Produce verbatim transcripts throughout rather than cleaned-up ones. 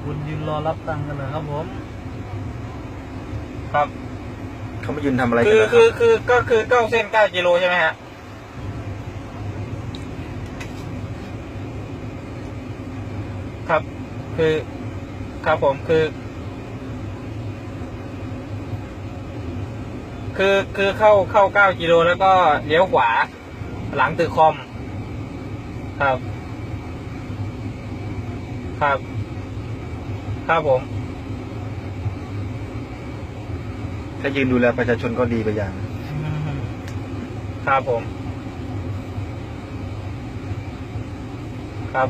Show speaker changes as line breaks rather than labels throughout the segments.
คุณยืนรอรับตังค์กันเลยครับผม
ครับ
เขามายืนทำอะไรกั
คื
น
อ
นะค
คื
รั
อบ คือก็คือเก้าเส้นเก้ากิโลใช่ไหมฮะครับ คือครับผมคือ คือคือเข้าเข้าเก้ากิโลแล้วก็เลี้ยวขวา หลังตึกคอม ครับ ครับ ครับผม
ถ้ายืนดูแลประชาชนก็ดีไปอย่าง
ครับผม ครับผม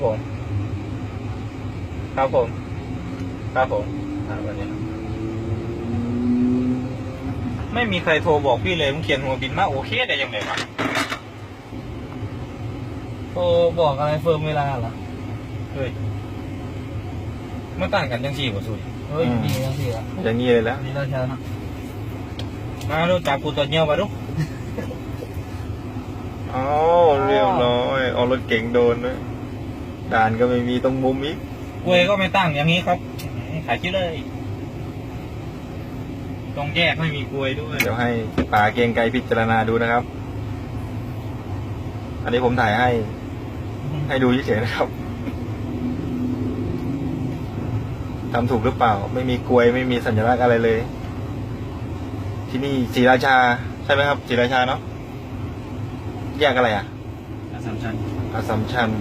ครับผม ครับผมครับวันนี้ไม่มีใครโทรบอกพี่เลยมึงเขียนหัวบินมาโอเคได้ยังไงวะ
โทรบอกอะไรเฟิร์มเวลาเหรอ
เฮ้ยเมื่อต่างกันจังสี่กว่าสุด
เฮ้ยดีจังสิอ่ะ
อย่างนี้เลยแล้ว
ดีแล้วเช้านะ
มาดูจับกูตัวเงี้ยวมาดู
อ๋อเรียบร้อยเอารถเก๋งโดนด้วยด่านก็ไม่มีตรงมุมอีก
กล้วยก็ไม่ตั้งอย่างนี้ครับขายชิ้นเลยตรงแยกไม่มีกล้วยด้วย
เดี๋ยวให้ป่าเกรียงไกรพิจารณาดูนะครับ อันนี้ผมถ่ายให้ ให้ดูเฉยๆนะครับทำถูกหรือเปล่า ไม่มีกลวยไม่มีสัญลักษณ์อะไรเลย ที่นี่ศรีราชาใช่ไหมครับศรีราชาเนาะแยกอะไรอ่ะ
อัสสัมชัญ
อัสสัมชัญ